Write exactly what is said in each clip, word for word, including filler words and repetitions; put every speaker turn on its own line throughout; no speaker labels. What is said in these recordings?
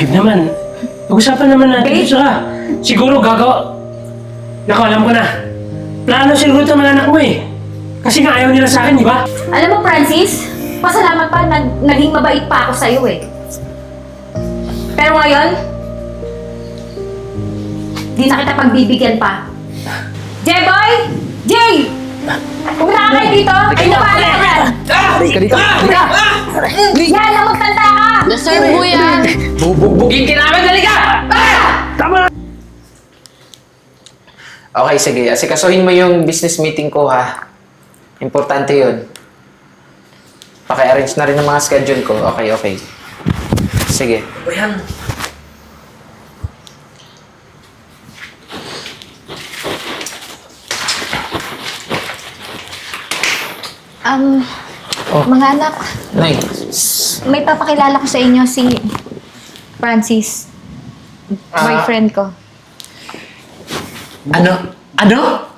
Babe naman, pag-usapan naman natin.
Babe?
Tsaka, siguro gagawa... Naku, alam ko na. Plano siguro ito ng anak mo eh. Kasi nga ayaw nila sa akin, di ba?
Alam mo, Francis, pasalamat pa, nag naging mabait pa ako sa'yo eh. Pero ngayon, di na kita pagbibigyan pa. J-Boy! Jay! Pumunta ka kayo dito! Ay, napala ka yan!
Halika dito! Halika!
Yan, na magtanda ka!
Deserve mo yan.
Bubugbugin ka namin! Halika!
Tama!
Okay, sige. Asikasuhin mo yung business meeting ko, ha? Importante yun. Paki-arrange na rin ang mga schedule ko. Okay, okay. Sige. Ayan.
Um,
Oh.
mga anak,
Nay.
may papakilala ko sa inyo si Francis.
Ah.
Boyfriend ko.
Ano? Ano?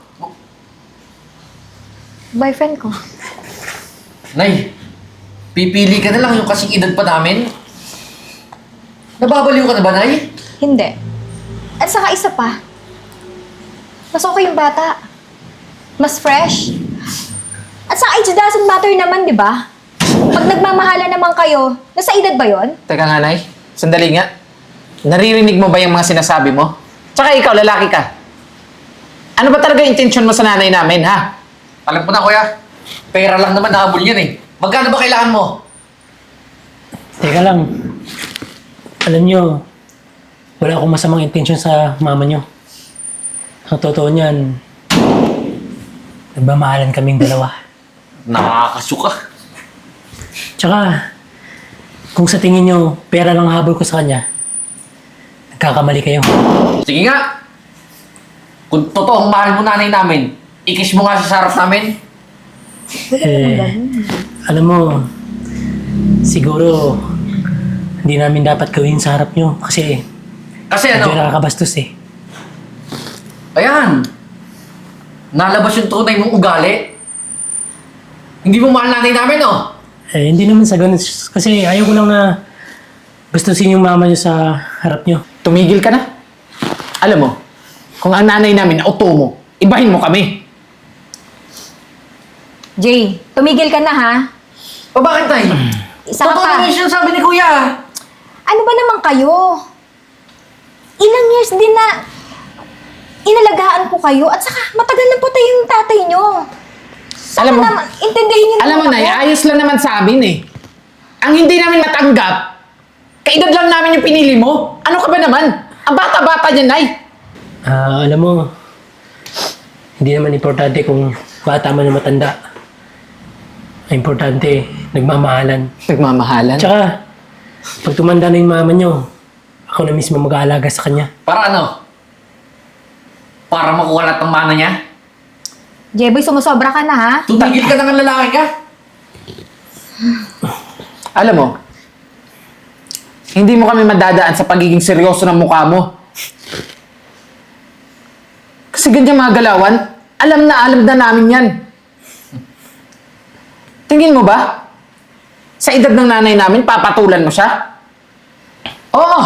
Boyfriend ko.
Nay, pipili ka na lang yung kasing edad pa namin. Nababaliw ka na ba, Nay?
Hindi. At saka isa pa. Mas okay yung bata. Mas fresh. At saka age doesn't matter naman, di ba? Pag nagmamahala naman kayo, nasa edad ba yon?
Teka nga, Nay. Sandali nga. Naririnig mo ba yung mga sinasabi mo? Tsaka ikaw, lalaki ka. Ano ba talaga yung intention mo sa nanay namin, ha?
Alam ko na, kuya. Pera lang naman nahabol yan eh. Magkano ba kailangan mo?
Teka lang. Alam nyo, wala akong masamang intensyon sa mama nyo. Ang totoo niyan, nagmamahalan kaming dalawa.
Nakakasuka.
Tsaka, kung sa tingin nyo, pera lang habol ko sa kanya, nagkakamali kayo.
Sige nga. Kung totoong mahal mo nanay namin, ikis mo nga siya sa harap namin.
Eh, alam mo, siguro, hindi namin dapat gawin sa harap nyo kasi
Kasi
medyo
ano,
nakakabastos eh.
ayan. Nalabas yung tunay mong ugali. Hindi mo mahal nanay namin, oh.
Eh, hindi naman sa ganun. Kasi ayaw ko lang na gustusin yung mama nyo sa harap nyo.
Tumigil ka na. Alam mo, kung ang nanay namin auto mo, ibahin mo kami.
Jay, tumigil ka na ha?
O bakit, Nay?
Isa ka
Totoo
pa.
naman yung sinasabi ni Kuya.
Ano ba naman kayo? Ilang years din na inalagaan ko kayo at saka matagal na po tayo yung tatay nyo. Saka
Alam mo-
naman, intindihin nyo
Alam mo,
naman
Nay,
ako.
ayos lang naman sa amin eh. Ang hindi namin matanggap, kaedad lang namin yung pinili mo. Ano ka ba naman? Ang bata-bata niya, Nay.
Ah, alam mo, hindi naman importante kung bata man o matanda. Ang importante, nagmamahalan.
Nagmamahalan.
Tsaka, pag tumanda na yung mama nyo, ako na mismo mag-aalaga sa kanya.
Para ano? Para makuha lahat ng mana niya?
Jeboy, sumusobra ka na ha?
Tumigil ka na ng lalaki ka?
Alam mo, hindi mo kami madadaan sa pagiging seryoso ng mukha mo. Kasi ganyan mga galawan, alam na alam na namin yan. Tingin mo ba? Sa edad ng nanay namin, papatulan mo siya? Oo.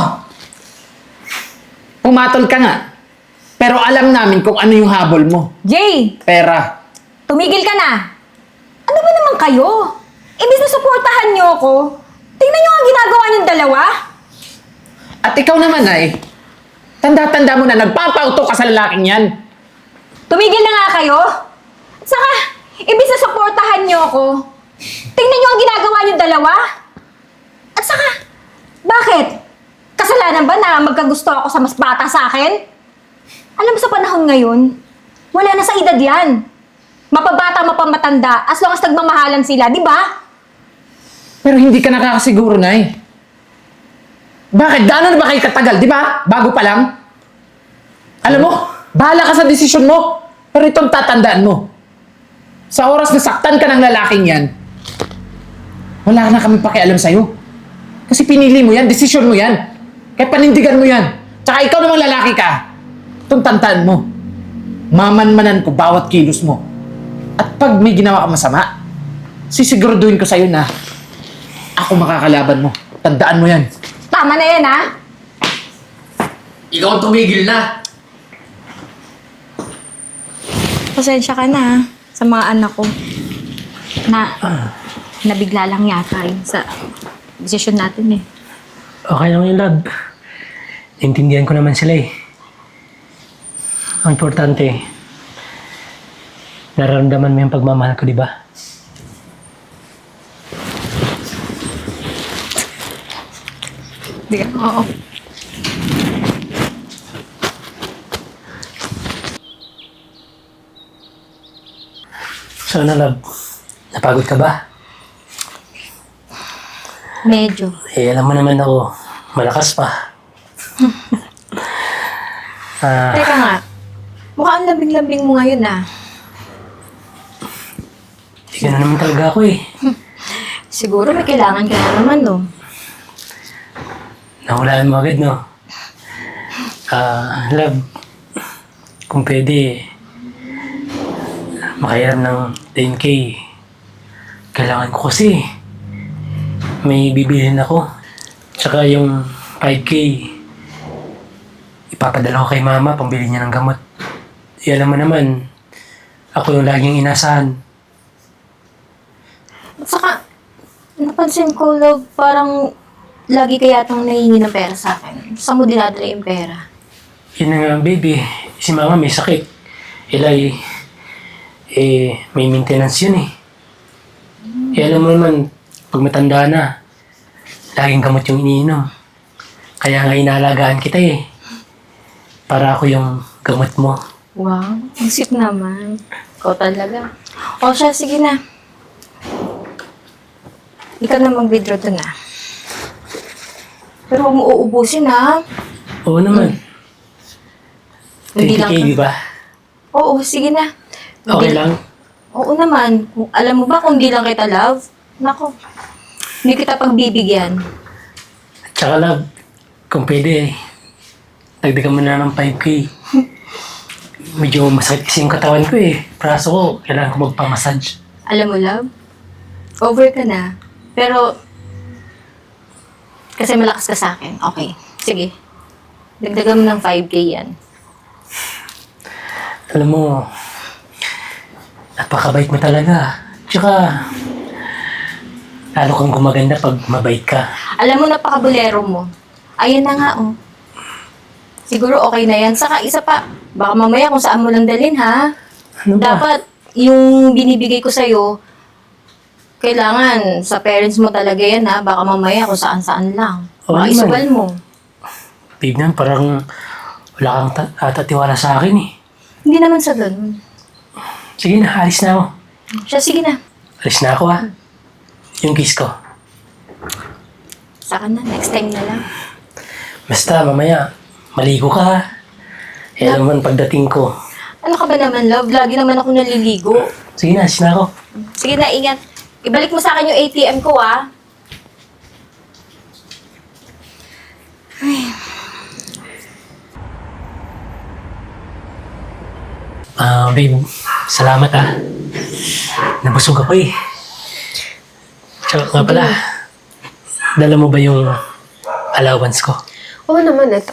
Pumatol ka nga. Pero alam namin kung ano yung habol mo.
Jay,
Pera.
tumigil ka na. Ano ba naman kayo? Imbis na suportahan nyo ako, tingnan nyo ang ginagawa niyong dalawa.
At ikaw naman ay, tanda-tanda mo na nagpapauto ka sa lalaking yan.
Tumigil na nga kayo. At saka, imbis na suportahan nyo ako, tingnan nyo ang ginagawa niyong dalawa. At saka, bakit? Kasalanan ba na magkagusto ako sa mas bata sa akin? Alam mo sa panahon ngayon, wala na sa edad yan. Mapabata, mapamatanda, as long as nagmamahalan sila, di ba?
Pero hindi ka nakakasiguro, Nay. Bakit? Gaano na ba kayo katagal, di ba? Bago pa lang? Alam mo, bahala ka sa desisyon mo. Pero itong tatandaan mo. Sa oras na saktan ka ng lalaking yan, wala na kami pakialam sa'yo. Kasi pinili mo yan, desisyon mo yan. Kaya panindigan mo yan. Tsaka ikaw namang lalaki ka. Itong tandaan mo. Mamanmanan ko bawat kilos mo. At pag may ginawa ka masama, sisiguraduhin ko sa'yo na ako makakalaban mo. Tandaan mo yan.
Tama na yan, ha?
ikaw ang tumigil na.
Pasensya ka na ha, sa mga anak ko. Na, nabigla lang yata yun sa desisyon natin eh.
Okay lang yun, love. Naintindihan ko naman sila eh. Ang importante, nararamdaman mo yung pagmamahal ko, di ba?
Di ka? Oo.
So ano, love? Napagod ka ba?
Medyo.
Eh, alam mo naman ako, malakas pa. Ah,
Teka nga, mukhang lambing-lambing mo ngayon ah.
di ka na naman talaga ako eh.
Siguro may kailangan ka na naman no.
Nahulaan mo agad, no? Ah, love, kung pwede, makahiram ng ten K. Kailangan ko kasi. May bibilhin ako. Tsaka yung five K, ipapadala ko kay mama, pambili niya ng gamot. E alam mo naman, ako yung laging inasahan.
At saka, napansin ko, love, parang lagi ka yatang nahingi ng pera sa akin. Saan mo dinadala yung pera?
Yun na nga, baby. Si mama may sakit. Ilay, eh, may maintenance yun eh. Eh, alam mo naman, pag matanda na, laging gamot yung iniinom. Kaya nga inaalagaan kita eh. Para ako yung gamot mo.
Wow, ang sweet naman. Ikaw talaga. O siya, sige na. Ikaw na mag-withdraw doon ah. Pero huwag mo uubusin ah.
Oo naman.
Hindi
twenty
lang
K,
ka-
di ba?
Oo, sige na.
Okay
Hindi-
lang?
Oo naman. Kung- Alam mo ba kung di lang kita love? Nako, hindi kita pagbibigyan.
Tsaka love, kung pwede, dagdagan mo na ng five K. Medyo masakit kasi yung katawan ko eh. Praso ko, kailangan ko magpamassage.
Alam mo love, over ka na. Pero, kasi malakas ka sa akin. Okay, sige. Dagdagan mo ng five K yan.
Alam mo, napakabait mo talaga. Tsaka, lalo kang gumaganda pag mabait ka.
Alam mo, napakabulero mo. Ayan na nga, oh. Siguro okay na yan. Saka isa pa, baka mamaya kung saan mo lang dalhin, ha?
Ano ba?
Dapat, yung binibigay ko sa'yo, kailangan sa parents mo talaga yan, ha? Baka mamaya kung saan-saan lang.
Oo
Baka
naman.
isugal mo.
Babe naman, parang wala kang ta- atatiwala sa akin eh.
Hindi naman sa ganun.
Sige na, alis na ako.
Siya, sige na.
Alis na ako ah. Yung kiss ko.
Saka na, next time na lang.
Basta, mamaya, maligo ka ha. Eh, alam mo, pagdating ko.
Ano ka ba naman, love? Lagi naman ako naliligo.
Sige na, alis na ako.
Sige na, ingat. Ibalik mo sa akin yung A T M ko, ah.
Ah, babe, salamat ah. Nabusog ako eh. Tsaka nga pala, dala mo ba yung allowance ko?
Oo naman, ito.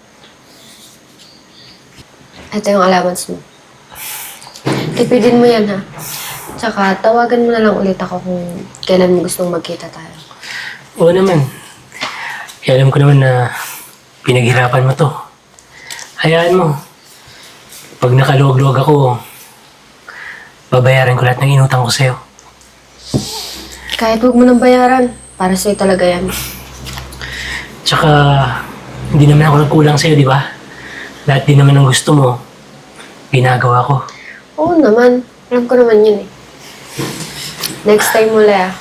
Ito yung allowance mo. Tipidin mo yan, ha? Tsaka, tawagan mo na lang ulit ako kung kailan mo gustong magkita tayo.
Oo naman. Kaya alam ko naman na pinaghirapan mo to. Hayaan mo. Pag nakaluwag-luwag ako, babayaran ko lahat ng inutang ko sa'yo.
Kahit huwag mo nang bayaran, para sa'yo talaga yan.
Tsaka, hindi naman ako nagkulang sa'yo, di ba? Lahat din naman ng gusto mo, ginagawa ko.
Oo naman, alam ko naman yun eh. Next time mo, Lea.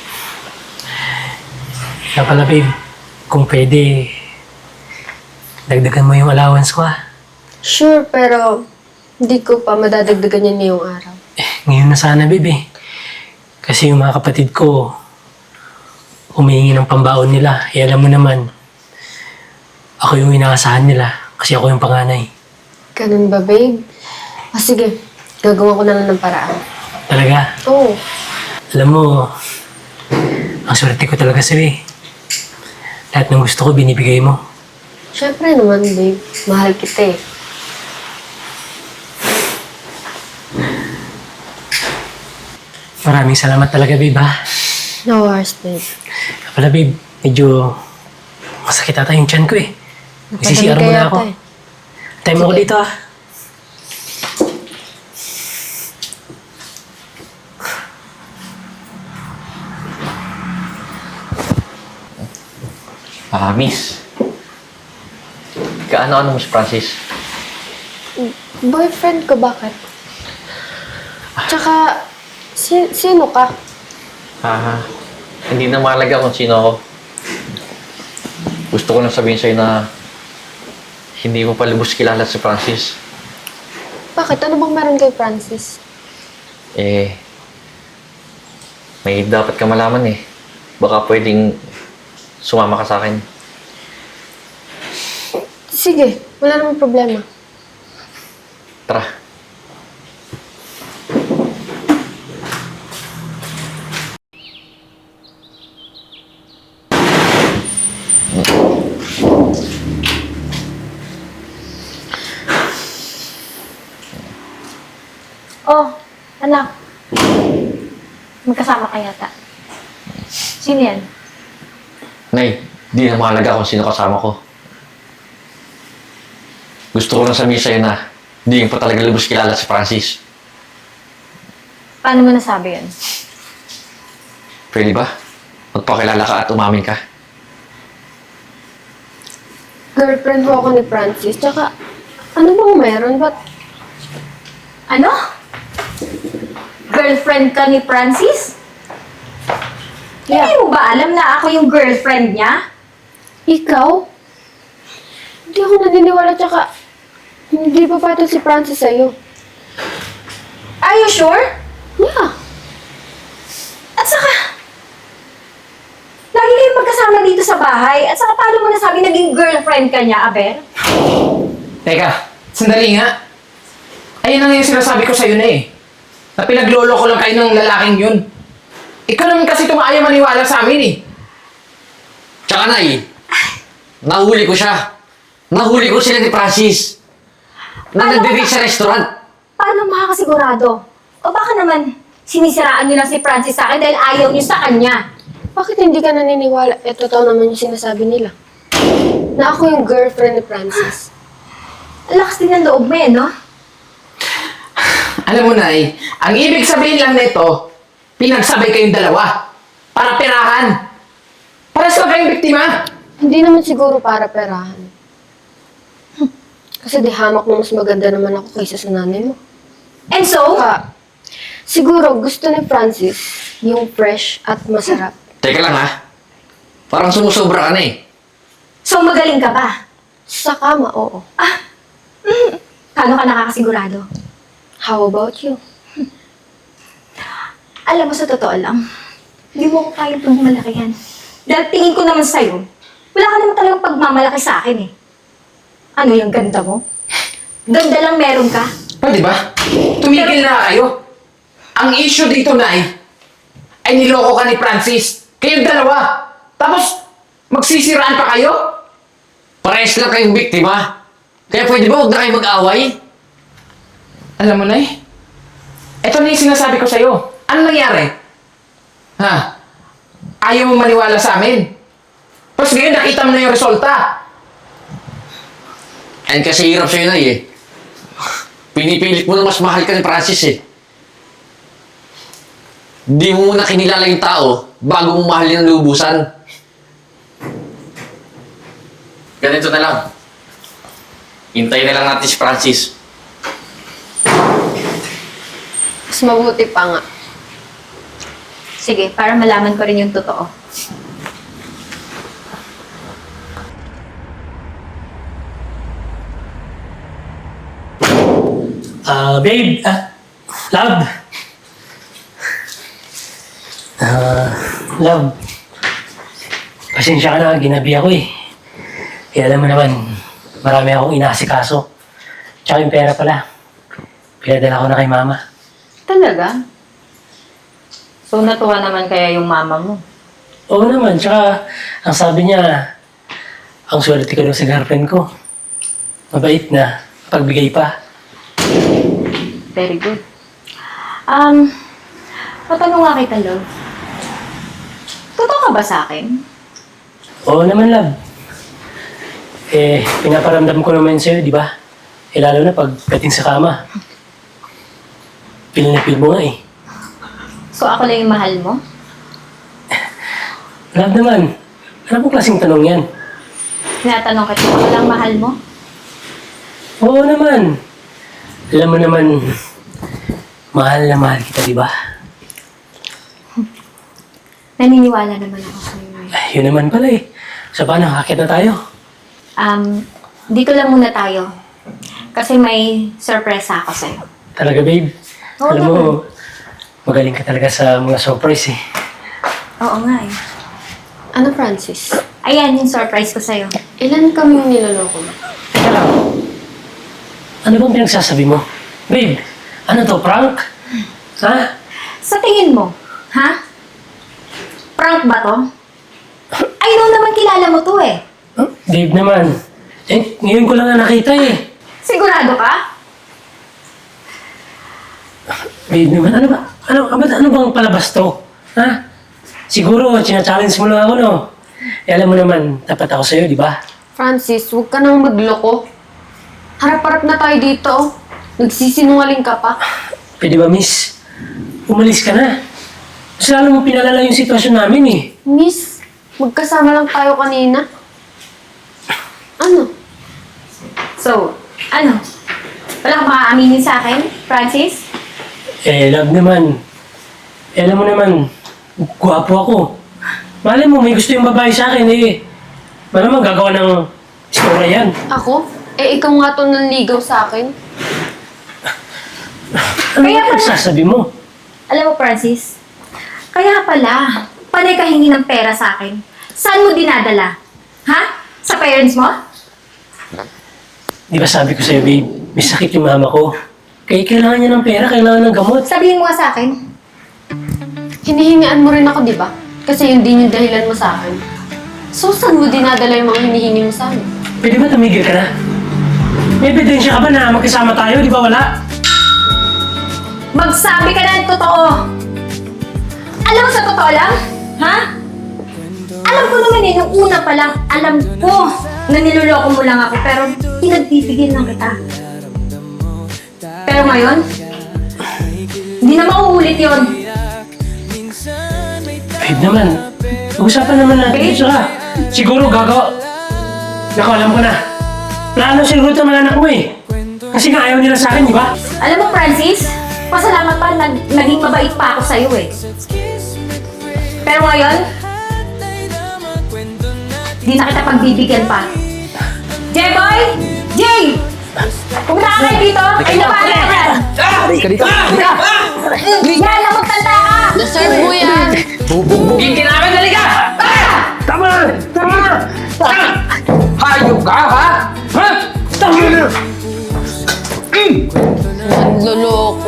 Kaya pala, babe, kung pwede, dagdagan mo yung allowance ko, ah.
Sure, pero hindi ko pa madadagdagan yan ngayong araw.
Eh, ngayon na sana, babe, eh. Kasi yung mga kapatid ko, humihingi ng pambaon nila. Eh, alam mo naman, ako yung inaasahan nila kasi ako yung panganay.
Ganun ba, babe? Ah, sige. Gagawa ko na lang ng paraan.
Talaga,
Oo.
alam mo, ang swerte ko talaga sa'yo eh. Lahat ng gusto ko, binibigay mo.
Siyempre naman, babe. Mahal kita eh.
Maraming salamat talaga, babe, ha?
No worries, babe.
Kaya pala, babe, medyo masakit ata yung tiyan ko, eh. Isisiar mo
Napadami
na
ka
ako.
yata eh.
Time mo ako
Sige.
dito, ah.
Ah, miss. Kaano-ano mo si Francis?
Boyfriend ko, bakit? Tsaka, si- sino ka?
Ah, hindi na mahalaga kung sino ako. Gusto ko lang sabihin sa'yo na hindi mo pa lubos kilala si Francis.
Bakit? Ano bang meron kay Francis?
Eh, may dapat ka malaman eh. Baka pwedeng sumama ka sa akin.
Sige, wala namang problema.
Tara.
Oh, anak. Magkasama ka yata. Sino yan?
Nay, di na mahalaga kung sino kasama ko. Gusto ko lang sabihin sa'yo na hindi mo pa talaga lubos kilala si Francis.
Paano mo nasabi yun?
Pwede ba? Magpakilala ka at umamin ka.
Girlfriend ho ako ni Francis. Tsaka, ano bang meron? Ba't
Ano? Girlfriend ka ni Francis?
Yeah.
Hindi mo ba alam na ako yung girlfriend niya?
ikaw? Hindi ako naniniwala. Tsaka, hindi pa patol si Francis sa'yo.
Are you sure?
Yeah.
At saka, lagi kayong magkasama dito sa bahay. At saka, paano mo nasabi naging girlfriend ka niya, Aber?
Teka, sandali nga. Ayun ang yung sinasabi ko sa'yo na eh. Na pinaglolo ko lang kayo ng lalaking yun. Ikaw naman kasi tumaaya maniwala sa amin eh.
Tsaka Nay, nahuli ko siya. Nahuli ko sila ni Francis. Na
Paano
nagdidate
ka-
sa restaurant.
Paano makakasigurado? O baka naman, sinisiraan niyo lang si Francis sa akin dahil ayaw niyo sa kanya.
Bakit hindi ka naniniwala? Eh, totoo naman yung sinasabi nila. Na ako yung girlfriend ni Francis.
Ang lakas din ng loob mo eh, no?
Alam mo, Nay, ang ibig sabihin lang nito, pinagsabay kayong dalawa. Para perahan. Para sa kayong biktima.
Hindi naman siguro para perahan. Hmm. Kasi di hamak na mas maganda naman ako kaysa sa nanay mo.
And so,
Saka, siguro gusto ni Francis yung fresh at masarap.
Teka lang ha. Parang sumusobra ka na eh.
so magaling ka ba?
Sa kama, oo.
Paano ka nakakasigurado?
How about you?
Alam mo, sa totoo lang, hindi mo ko kayang pagmalakihan. Dahil tingin ko naman sa'yo, wala ka naman talagang pagmamalaki sa akin eh. Ano yung ganda mo? Ganda lang meron ka?
Pwede ba? Tumigil na kayo. Ang issue dito, Nay, ay niloko ka ni Francis. Kayong dalawa. Tapos, magsisiraan pa kayo?
Parehas lang kayong biktima. Kaya pwede ba huwag na kayo mag-away?
Alam mo, Nay, ito na yung sinasabi ko sa'yo. Ano nangyari? Ha? Ayaw mo maniwala sa amin. Tapos ngayon, nakita mo na yung resulta.
And kasi hirap sa'yo na eh. Pinipilit mo na mas mahal ka ni Francis eh. Di mo muna kinilala yung tao bago mo mahalin ng lubusan. Ganito na lang. Hintayin na lang natin si Francis.
Mas mabuti pa nga.
Sige, para malaman ko rin yung totoo.
Ah, babe, ah, love. Ah, love. Pasensya ka na, ginabi ako eh. Eh, alam mo naman, marami akong inaasikaso. Tsaka yung pera pala. Pinadala ko na kay mama.
Talaga? So, natuwa naman kaya yung mama mo?
Oo naman, tsaka ang sabi niya, Ang swerte ko daw sa girlfriend ko. Mabait na, pagbigay pa.
Very good. Um, matanong nga kita, love. Totoo ka ba sa akin?
Oo naman, love. Eh, pinaparamdam ko naman sa'yo, di ba? Eh, lalo na pagdating sa kama. Feel na feel mo nga eh.
So ako lang yung mahal mo?
Love naman, ano pong klaseng tanong yan?
Tinatanong kita, ako lang mahal mo?
Oo naman. Alam mo naman, mahal na mahal kita, di ba?
Naniniwala naman ako sa'yo. eh.
Ay, yun naman pala eh. So paano, hakit na tayo?
Um, dito lang muna tayo. Kasi may sorpresa ako sa'yo.
Talaga, babe.
Oo
Alam mo, magaling ka talaga sa mga surprise eh.
Oo nga eh.
Ano, Francis?
Ayan yung surprise ko sa'yo.
Ilan kaming niloloko mo?
Teka lang. Ano bang pinagsasabi mo? Babe, ano to, prank? Ha?
Sa tingin mo, ha? Prank ba to? Ay, noon naman kilala mo to eh.
Huh? Babe naman. Eh, ngayon ko lang nga nakita eh.
Sigurado ka?
Babe naman, ano ba? Ano, ano, ano bang palabas to? Ha? Siguro, china-challenge mo lang ako, no? Eh, alam mo naman, tapat ako sa'yo, di ba?
Francis, huwag ka nang magloko. Harap-harap na tayo dito. oh. Nagsisinungaling ka pa.
Pwede ba, miss? Umalis ka na. Mas lalo mo pinalala yung sitwasyon namin eh.
Miss, magkasama lang tayo kanina. Ano?
So, ano? Wala kang makakaaminin sa akin, Francis?
Eh, love naman. Eh, alam mo naman, gwapo ako. Malay mo, may gusto yung babae sa akin eh. Malamang gagawa ng istorya yan.
Ako? Eh, ikaw nga to nanligaw sa akin.
Ano
Kaya
ba
pala-
nagsasabi mo?
Alam mo, Francis, kaya pala, panay ka hingi ng pera sa akin. Saan mo dinadala? Ha? Sa parents mo?
Di ba sabi ko sa'yo, babe, may sakit yung mama ko. Kaya kailangan niya ng pera, kailangan ng gamot.
Sabihin mo nga sa akin.
Hinihingaan mo rin ako, di ba? Kasi yun din yung dahilan mo sa akin. So, saan mo dinadala yung mga hinihingi mo sa akin?
Pwede ba tumigil ka na? May ebidensya ka ba na magkasama tayo, di ba wala?
Magsabi ka na ng totoo! Alam mo sa totoo lang? Ha? Alam ko naman eh, nung una pa lang, alam ko na niloloko mo lang ako, pero pinagbibigyan lang kita. Pero ngayon, hindi na mauulit yun.
Babe naman, pag-usapan naman natin
Babe?
ito ka. Siguro gagawa. Naku, alam ko na. Plano siguro ito mga anak mo eh. Kasi nga ayaw nila sa akin, di ba?
Alam mo, Francis, pasalamat pa, nag naging mabait pa ako sa'yo eh. Pero ngayon, di na kita pagbibigyan pa. J-Boy! Jay! Pumunta ka kayo dito! Ay, napala ka yan!
Halika dito. Halika.
Yan, namagtanda ka!
Deserve mo yan!
Bubugbugin ka namin. Halika.
Tama! Tama! Tama!
Hayop ka, ha? Ha?
Tama na!
Loloko.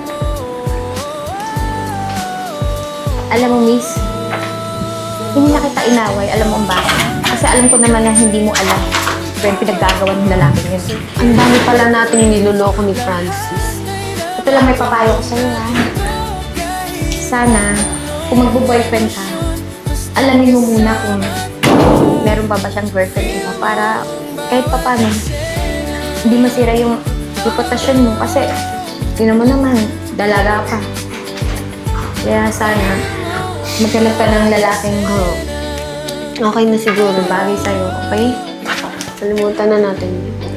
Alam mo, miss, hindi na kita inaway. Alam mo ang bakit? Kasi alam ko naman na hindi mo alam kung yung pinaggagawa ng lalaking yun.
Ang dami pala nating niloloko ni Francis.
Ito lang may papayo ko sa'yo, ha? Sana, kung magbo-boyfriend ka, alamin mo muna kung meron pa ba siyang girlfriend iba para kahit pa paano, hindi masira yung reputasyon mo kasi yun mo naman, dalaga ka. Kaya sana, maghanap ka ng lalaking
Oh. Okay na siguro.
bagay sa'yo, okay?
Kalimutan na natin.